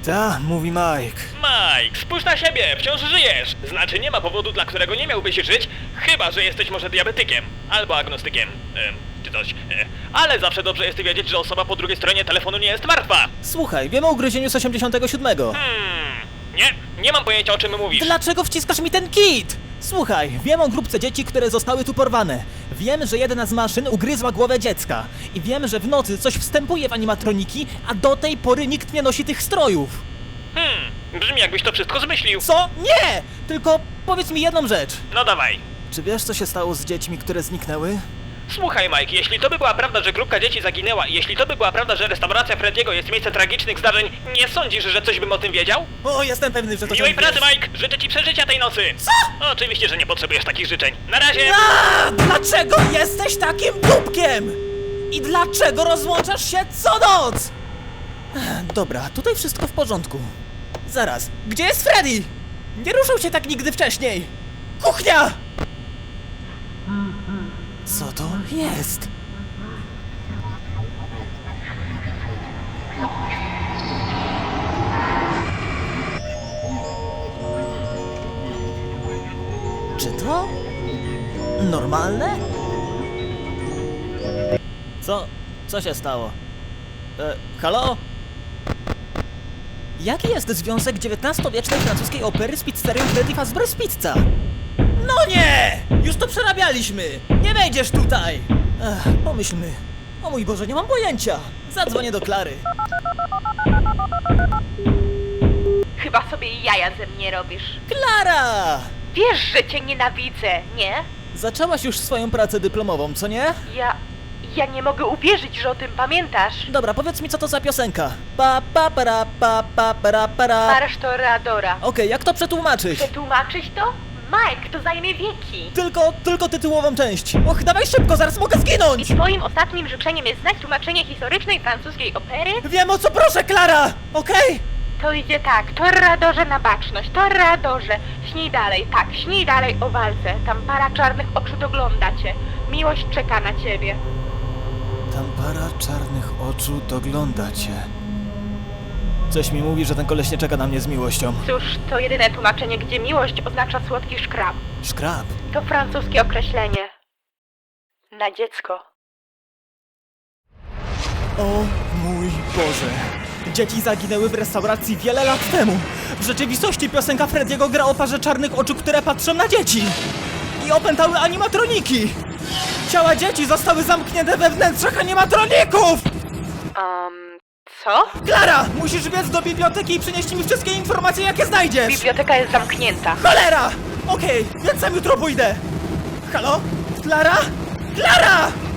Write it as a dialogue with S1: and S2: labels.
S1: Ta, mówi Mike.
S2: Mike, spójrz na siebie, wciąż żyjesz. Znaczy nie ma powodu, dla którego nie miałbyś żyć, chyba że jesteś może diabetykiem, albo agnostykiem, czy coś. Ale zawsze dobrze jest wiedzieć, że osoba po drugiej stronie telefonu nie jest martwa.
S1: Słuchaj, wiem o ugryzieniu z 87.
S2: Nie mam pojęcia, o czym mówisz.
S1: Dlaczego wciskasz mi ten kit? Słuchaj, wiem o grupce dzieci, które zostały tu porwane. Wiem, że jedna z maszyn ugryzła głowę dziecka. I wiem, że w nocy coś wstępuje w animatroniki, a do tej pory nikt nie nosi tych strojów.
S2: Brzmi jakbyś to wszystko zmyślił.
S1: Co? Nie! Tylko powiedz mi jedną rzecz.
S2: No dawaj.
S1: Czy wiesz, co się stało z dziećmi, które zniknęły?
S2: Słuchaj, Mike, jeśli to by była prawda, że grupka dzieci zaginęła i jeśli to by była prawda, że restauracja Frediego jest miejscem tragicznych zdarzeń, nie sądzisz, że coś bym o tym wiedział?
S1: O, jestem pewny, że to
S2: Miłej
S1: się
S2: pracy,
S1: wiesz.
S2: Mike! Życzę ci przeżycia tej nocy!
S1: Co?
S2: Oczywiście, że nie potrzebujesz takich życzeń. Na razie!
S1: Dlaczego jesteś takim dupkiem? I dlaczego rozłączasz się co noc? Dobra, tutaj wszystko w porządku. Zaraz, gdzie jest Freddy? Nie ruszył się tak nigdy wcześniej. Kuchnia! Co to jest? Czy to normalne? Co się stało? Halo? Jaki jest związek XIX-wiecznej francuskiej opery z pizzerią Freddy Fazbear's Pizza? No nie! Już to przerabialiśmy! Nie wejdziesz tutaj! Pomyślmy. O mój Boże, nie mam pojęcia! Zadzwonię do Klary.
S3: Chyba sobie jaja ze mnie robisz.
S1: Klara!
S3: Wiesz, że cię nienawidzę, nie?
S1: Zaczęłaś już swoją pracę dyplomową, co nie?
S3: Ja nie mogę uwierzyć, że o tym pamiętasz.
S1: Dobra, powiedz mi, co to za piosenka. Pa pa para pa pa para para.
S3: Marsz Toreadora.
S1: Okej, jak to przetłumaczyć?
S3: Przetłumaczyć to? Mike, to zajmie wieki.
S1: Tylko tytułową część. Och, dawaj szybko, zaraz mogę
S3: I
S1: zginąć!
S3: twoim ostatnim życzeniem jest znać tłumaczenie historycznej francuskiej opery?
S1: Wiem, o co proszę, Klara! Okej?
S3: To idzie tak, Toreadorze na baczność, Toreadorze, śnij dalej, tak, śnij dalej o walce. Tam para czarnych oczu dogląda cię. Miłość czeka na ciebie.
S1: Tam para czarnych oczu dogląda cię. Coś mi mówi, że ten koleś nie czeka na mnie z miłością.
S3: Cóż, to jedyne tłumaczenie, gdzie miłość oznacza słodki szkrab.
S1: Szkrab.
S3: To francuskie określenie na dziecko.
S1: O mój Boże. Dzieci zaginęły w restauracji wiele lat temu. W rzeczywistości piosenka Frediego gra o parze czarnych oczu, które patrzą na dzieci. I opętały animatroniki. Ciała dzieci zostały zamknięte we wnętrzach animatroników!
S3: Co?
S1: Klara! Musisz biec do biblioteki i przynieść mi wszystkie informacje, jakie znajdziesz!
S3: Biblioteka jest zamknięta.
S1: Cholera! Okej, więc sam jutro pójdę. Halo? Klara? Klara!